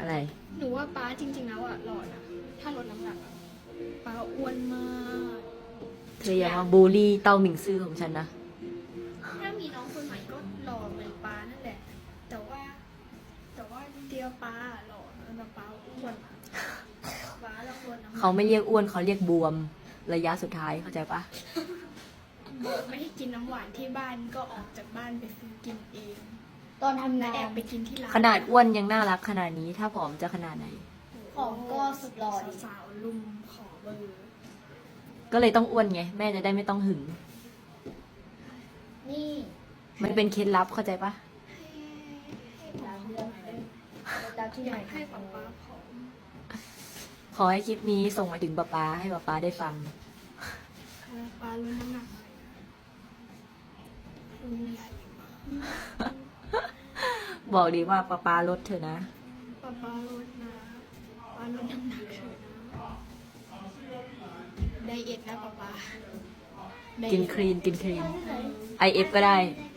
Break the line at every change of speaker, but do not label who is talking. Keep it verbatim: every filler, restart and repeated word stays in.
อะไร
หนูว่าป้าจริงๆแล้วอะหล่อนะถ้าลดน้ำหนักอะป้าอ้วนมาก
เธออย่ามาบูลลี่เต้าหมิงซื่อของฉันนะ
ถ้ามีน้องคนใหม่ก็หล่อเหมือนป้านั่นแหละ แต่ว่า แต่ว่าเดียวป้าหล่อแต่ป้าอ้วนอะป้าเราลดน้ำหนัก
เขาไม่เรียกอ้วนเขาเรียกบวมระยะสุดท้ายเข้าใจปะ
ไม่ได้กินน้ำหวานที่บ้านก็ออกจากบ้านไปซื้อกินเอง
ตอนทำ
และ
งา
แอน บไปกินที่ร้าน
ขนาดอ้วนยังน่ารักขนาดนี้ ถ้าผอมจะขนาดไหน
ของก็สุดหล่อดิ
สาวๆลุมขอเบอร์
ก็เลยต้องอ้วนไง แม่จะได้ไม่ต้องหึง
นี่
มันเป็นเคล็ดลับเข้าใจปะ
ตามเรื่องตามที่
อ
ไหน
ยากให้ป๊าป๊าผอม
ขอให้คลิปนี้ส่งมาถึงป๊าป๊าให้ป๊าป๊าได้ฟัง
ป้าลดน้ำหนักหน่อยนะคุณใหญ่มาก
บอกดีว่าป๊าป๊าลดเธอะนะ
ป้าป้าลดนะป้าลดน้ำหนักเถอะนะไดเอทนะป้าป้าไดเอท
กินคลีนกินคลีน ไอเอฟก็ได้
ได้